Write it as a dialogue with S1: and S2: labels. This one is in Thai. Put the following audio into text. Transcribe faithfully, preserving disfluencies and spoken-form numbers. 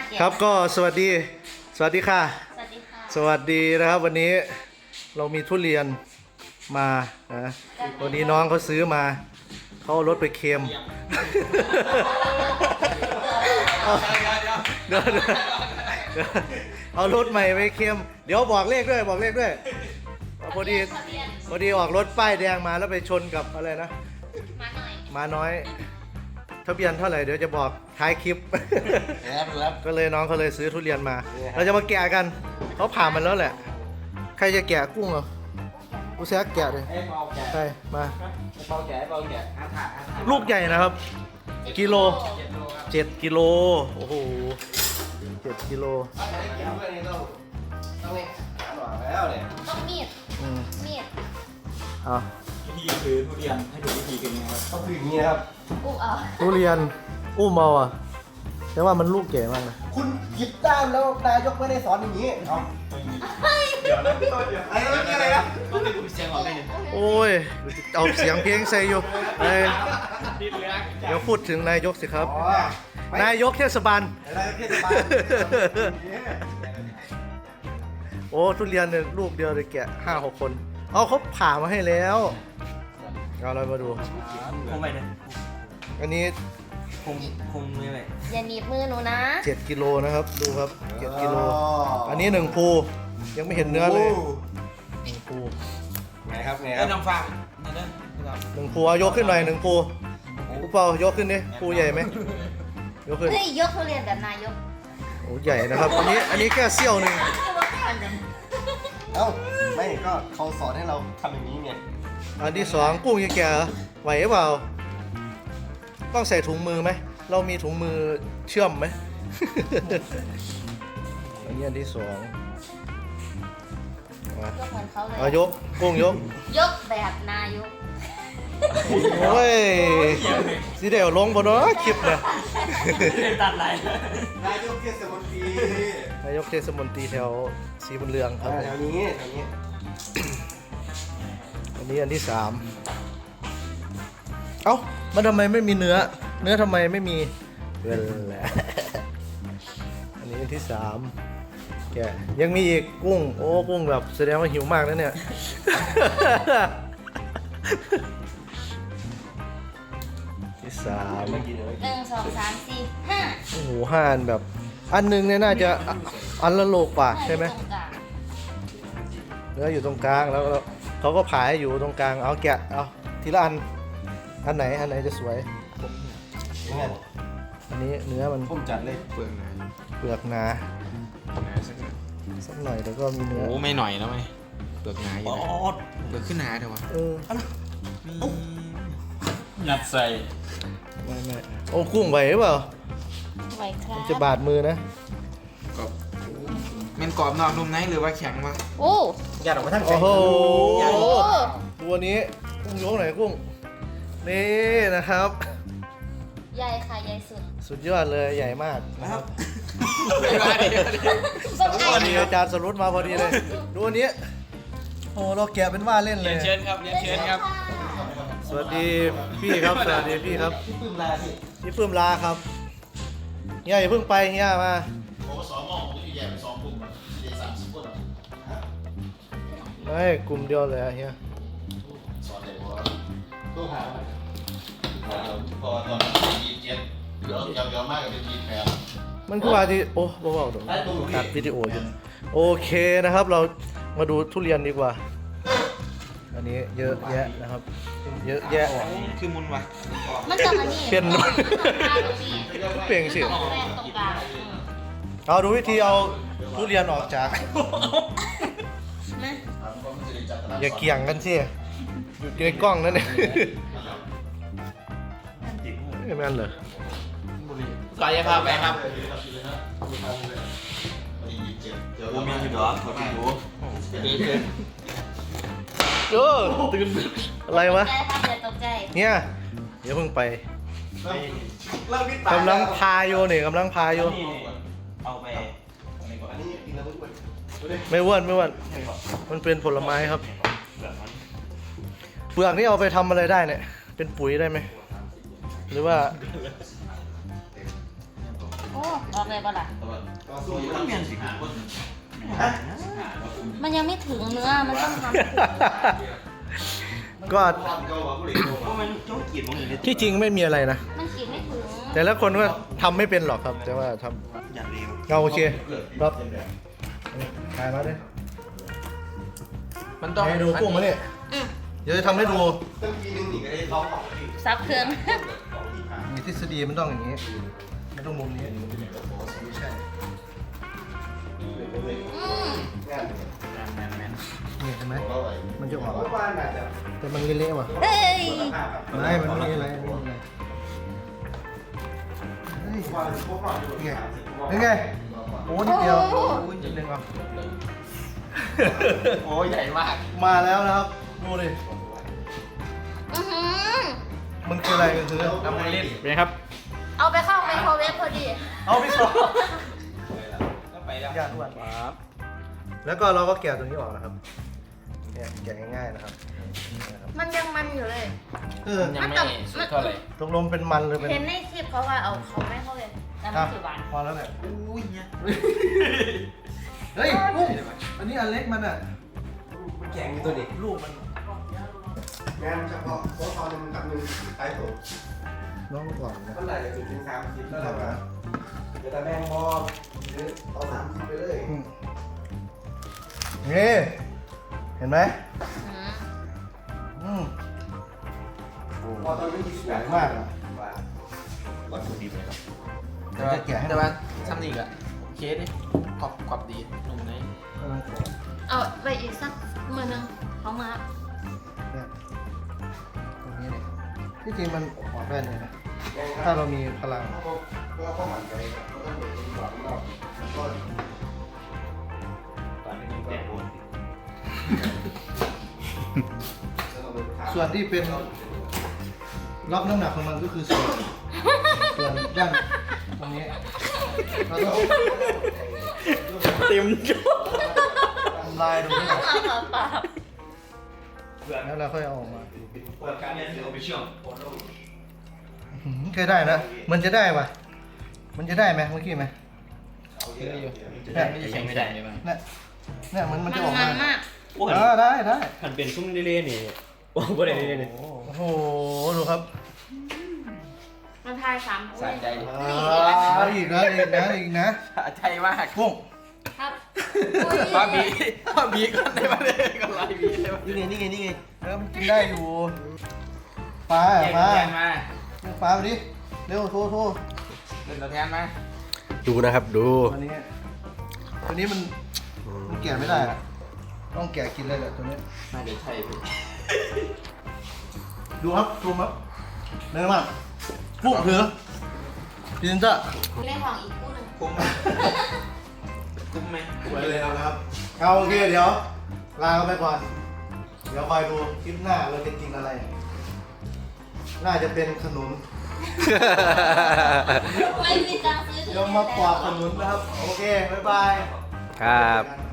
S1: ครับก็สวัสดีสวัสดีค่ะ
S2: สวัสดีค่ะ
S1: สวัสดีนะครับวันนี้เรามีทุเรียนมานะวันนี้น้องเขาซื้อมาเขาเอารถไปเค็มเดี๋ยวเอารถใหม่ไปเค็มเดี๋ยวบอกเลขด้วยบอกเลขด้วยพอดีพอดีออกรถป้ายแดงมาแล้วไปชนกับอะไรนะ
S2: มาหน่อย
S1: มาน้อยทะเบียนเท่าไหร่เดี๋ยวจะบอกท้ายคลิป ก็เลยน้องเขาเลยซื้อทุเรียนมา เราจะมาแกะกันเขาผ่ามันแล้วแหละใครจะแกะกุ้งเหรอกูแซกแกะเลยใช่มาลูกใหญ่นะครับกิโลเจ็ดกิโลโอ้โหเจ็ดกิโล
S2: ต้องมีด
S1: อืม
S2: มีด
S1: เอา
S3: วิธีซื้อทุเรียนให้ดูวิธีกันยังไงครับ
S4: ต้องคืออย่างนี้นะครับ
S2: อุ้มเอา
S1: ทุเรียนอู้เมาอ่ะแต่ว่ามันลูกใหญ่มากนะ
S4: คุณผิดด้านแล้วนายกไม่ได้สอนอย่างนี้เอา
S3: เดี๋ยวนะ
S4: ไอ้เรื่องนี้อะไรนะ
S3: ต้องให้คุณเสียงออกเลย
S1: โอ้ยเอาเสียงเพลงใส่อยู่เอ้ย
S3: ดิ้นเลยนะ
S1: เดี๋ยวพูดถึงนายกสิครับ
S4: อ๋อน
S1: ายกเทศบาล
S4: นายกเทศบาล
S1: โอ้ทุเรียนเนี่ยลูกเดียวเลยแกะห้าหกคน เอาเขาผ่ามาให้แล้วเอาเรามาดู
S3: คงไม่ได้
S1: อันนี้
S3: คงคงไม่ได้
S2: อย่าหนีบมือหนูนะ
S1: เจ็ดกิโลนะครับดูครับเจ็ดกิโลอันนี้หนึ่งภูยังไม่เห็นเนื้อเลยหนึ่งภู
S4: ไงครับไงค
S3: เอ้
S4: รั
S3: ย
S4: บ
S3: น้ำฟังนี่เด้อ
S1: หนึ่งภูเอายกขึ้นหน่อยหนึ่งภูภูเปล่ายกขึ้นดิภูใหญ่ไหมยกขึ้น
S2: เฮ้ยยกทุเรียนแบบนายก
S1: โอ้ใหญ่นะครับอันนี้อันนี้แค่เสี้ยวหนึ่ง
S4: เอ้าไม่ก็เขาสอนให้เราทำอย่างนี้ไง
S1: อันที่สองกุ้งยังแก่เหรอไหวหรือเปล่าต้องใส่ถุงมือไหมเรามีถุงมือเชื่อมไหม อันนี้อันที่สองมาย
S2: กเหมือนเขาเลย
S1: เอายกกุ้งยก
S2: ยกแบบนายก
S1: โอ้ยสิเดี๋ยวลงบนเนาะคลิปเนี่ย
S3: ตัดไหล
S4: นายกเทศมนตรี
S1: นายกเทศมนตรีแถวสีบุญเรืองครับ
S4: แถวนี้แถวนี้
S1: อันนี้อันที่สามเอ้ามันทำไมไม่มีเนื้อ เนื้อทำไมไม่มีเวลแหละอันนี้อันที่สามแกะยังมีอีกกุ้งโอ้กุ้งแบบแสดงว่าหิวมากนะเนี่ย ที่สาม
S2: หนึ่งสองสามสี่ห้า
S1: โอ้โหห้าอันแบบ อันหนึงเนี่ยน่าจะอันละโลกว่าใช่ไหม
S2: ตรงกลาง
S1: เนื้ออยู่ตรงกลางแล้วก็เขาก็ผายอยู่ตรงกลางเอาแกะเอาทีละอันอันไหนอันไหนจะสวย
S4: ยังไง
S1: อันนี้เนื้อมัน
S4: ผมจัดเลย
S3: เปลืองไหน
S1: เปลือกหนาสักหน่อยแล้วก็มีเนื้อ
S5: โอ้ไม่หน่อยนะเว้ยเปลือกหนาอยู่
S3: อ๋อ
S5: นะเปลือกขึ้นหนาเดี๋ยววะ
S1: เออ
S3: ยัดใส่
S1: ไม่ไม่โอ้กุ้งไหวหรือเปล่า
S2: ไว้ครับ
S1: มันจะบาดมือนะ
S5: กรอบแมันกรอบนอกนุ่มในหรือว่าแข็งวะ
S2: โอ้
S4: ยัดออกมาทั้งใจ
S1: โอ้โห
S2: โห
S1: ตัวนี้กุ้งยกไหนกุ้งนี่นะครับ
S2: ใหญ่ค่ะใหญ่สุด
S1: สุดยอดเลยใหญ่มากนะครับ
S2: ส้ม
S1: พ
S2: ไอ
S1: อดีอาจารย์สรุปมาพอดีเลยดูอันนี้โอ้เราแกะเป็นว่าเล่นเลย
S3: เชิญครับเรียนเชิญครับ
S1: สวัสดีพี่ครับสวัสดีพี่ครับ
S4: พี่ปื้มลาสิ
S1: พี่ปื้มลาครับเฮียอย่าเพิ่งไปเฮียมา
S6: โอ้สองหม้อผมจะแยกเป็นสองกลุ่มอะสี่เด็กสามสิบคนอะ
S1: ไม่กลุ่มเดียวเลยอะเฮีย
S6: สอนเด็กว่า
S4: ตู้หา
S6: พอตอนนั้นยี่สิบเจ็ดเดี๋ยวเดี๋ยวมากก็เป็นยี่สิบแปด
S1: มันคือว่าที่โอ้เบาๆเดี๋ยวตัดวิดีโออยู่โอเคนะครับ เรามาดูทุเรียนดีกว่า อันนี้เยอะแยะนะครับ เยอะแยะ
S5: คือมุนวะ
S2: มันจะมานี่
S1: เปลี่ยน
S2: ตรงกลางตรงนี้
S1: เปลี่ยนสิ
S2: ตรงแรกตรงกลางอืม
S1: เอาดูวิธีเอาทุเรียนออกจาก
S2: นะ
S1: อย่าเกี่ยงกันสิอยู่ในกล้องนั่นเองไม่แม่นเหรอ
S5: กายภาพไปครับ
S6: ยี่สิบเจ็ดเดี๋ยว
S3: กูมีอยู่ดอกขอดู
S1: เออตื่นอะไรวะ
S2: ใจครับอย่าตกใจ
S1: เนี่ยเดี๋ยวเพิ่งไป
S4: เริ่มวิตาก
S1: ำลังพาโยนี่กำลังพาโย
S3: นี่เอาไป
S4: อันนี้กินแล้วด้วย
S1: ไม่อ้วนไม่อ้วนมันเป็นผลไม้ครับ เปลือกนี่เอาไปทำอะไรได้เนี่ย เป็นปุ๋ยได้ไหม หรือว่า
S2: โอ้อ้ออกเลยป่ะล่ะ
S6: ก็สู้อยู่ต้องเปลี่ยนสิหาคน
S2: มันยังไม่ถึงเนื้อ มันต้องทำถึง
S1: ก็
S6: ก็ว่าผู้หญิง
S5: เพราะมันโจ๊กกีดมองอย่างนี้
S1: ที่จริงไม่มีอะไรนะ
S2: มันกินไม่ถึง
S1: แต่ละคนก็ทำไม่เป็นหรอกครับ แต่ว่าท
S5: อย่างเร็ว
S1: ำเราโอเครับถ่ายมาด้วย
S5: มันต้อง
S1: ให้ดูกุ้งมาเนี่ย
S2: อืม
S1: เดี๋ยวจะทำให้ดู
S4: ตั้งทีนึงนี่ก็ได้ร้องของที่
S2: ซับเครื่อง
S1: มีทฤษฎีมันต้องอย่างนี้ไม่ต้องมุมนี้ไม่ใช่
S2: อืม
S5: แมนแมน
S1: นี่เห็นไหม
S6: เราอะไร
S1: มันจะออก
S4: เพราะว่าน่าจะ
S1: แต่มันเละๆว่ะ
S2: เฮ้ย
S1: ไม่มันไม่มีอะไรไม่มีอะไรเฮ้ย
S4: ว่าพวกเราอยู่
S1: นี่ไงนี่ไงโอ้นิดเดียวโอ้ยนิดนึงว่ะ
S5: โอ้ใหญ่มาก
S1: มาแล้วนะครับดูดิ
S2: อื้อหือ
S1: มันคืออะไรกันคือ
S5: ทำไงเล่นเป็นไงครับ
S2: เอาไปเข้าไมโครเวฟพอดี
S1: เอาพี่สอง
S5: ก็ไปแล้ว
S1: ยากด้วยแล้วก็เราก็แกะตัวนี้ออกนะครับเนี่ยแกะง่ายๆนะครับนี่นะครับ
S2: มันยังมันอยู่เลย
S1: เออ
S5: ยังไม่สุดเท่าไหร่
S1: ตกลงเป็นมันหรือเป็น
S2: เห็นในคลิปเขาว่าเอาเขาไม่เข้าเลยแต่มัน
S1: อ่ะ
S2: ถือหวาน
S1: พอแล้วแหละ
S5: อุ้ยเนี่ย
S1: เฮ้ยกุ้งอันนี้อันเล็กมันอ่ะ
S4: แข็งตัวเด็ก
S1: ลูกมัน
S4: งานเฉพาะโค้ชทอนหนึ่งกับหนึ่งท้ายตัว
S1: น้องก่อนนะ
S4: เท่าไหร่จะถึงถึงสามสิบแล้วเราแบบจะแต่แมงบอลหรือเอาสามสิบไปเลย
S1: อืมนี่เห็นไหม
S2: อืม
S1: อืม
S4: พอตอนนี้มี
S1: ส
S4: ส
S1: ว
S4: วย ย
S1: มาม
S4: าก ก
S1: อ่ะ
S5: วัตถุดิบเลยครับ
S1: เดี๋ยวจะแกะให้
S5: แต่ว่าทำนี่ก็โอเคดิกรอบกรอบดีนุ่มใน
S1: กำลังขอ
S2: เอาไปอีกสักมือหนึงเขามา
S1: เนี่ยตรงนี้เนี่ยที่จริงมันออกได้เลยนะถ้าเรามีพลัง
S4: ก็ก็ข้อหมันใจก็ต้องเป็นหวังเราก็
S3: ตอนนี้แกะโดน
S1: ส่วนที่เป็นรับน้ำหนักของมันก็คือส่วนส่วนด้านตรงนี้เราต้อง
S5: เต็มจุ๊
S1: ทำลายตรงนี้ออก
S2: เอาเปล่า
S1: แล้วเราค่อยเอาออกมา
S3: เปิดการเรียนหรือเอาไปเชื่อม
S1: อื้อหือเคยได้นะมันจะได้ปะมันจะได้ไหมเมื่อกี้ไหม
S5: ได้ไม่จะแข็งไม่ได้เลยมั้ง
S1: เนี่ยเนี่ยมัน
S2: ๆ
S1: มัน
S2: มัน
S1: จะออก
S2: มั
S1: มาน
S2: มาก
S3: โอ้
S1: เออได้ได้
S3: หันเป็นซุ้มเล่ๆนี่โอ้บ่ได้เล่ๆนี่
S1: โอ้โหดูครับ
S2: มันทายสาม
S5: สะใจ
S1: อ่าอีกนะอีกนะอีกนะ
S5: สะใจมาก
S1: กุ้ง
S2: ครับ
S5: ป้าบีป้าบีก่อนได้ไหมก่อนไล่บีได้ไหม
S4: นี่ไงนี่ไงนี่ไง
S1: เออมันกินได้อยู่ปลา
S5: แยก
S1: ปลา
S5: แยกมา
S1: ปลาไปดิเร็วโทรโทร
S5: เดินตัวแทนมา
S3: ดูนะครับดู
S1: ตัวนี้ตัวนี้มันมันแกะไม่ได้อะต้องแกะกินเลยแหละตัวนี้
S5: น่าจะใช่พี่
S1: ดูครับซูมครับเนื้อมากกุ้งเถือพิซซ่า
S2: เล่นของอีกคู่หนึ่ง
S5: คุ้มไหมคุ้มไหม
S1: ไปเลยนะครับเอาโอเคเดี๋ยวลาไปก่อน เดี๋ยวคอยดูคลิปหน้าเราจะกินอะไร น่าจะเป็นขนุน
S2: ไม่มีตังค์ซื้อ
S1: เดี๋ยวมาปอกขนุนนะครับ โอเค บ๊ายบาย
S3: ครับ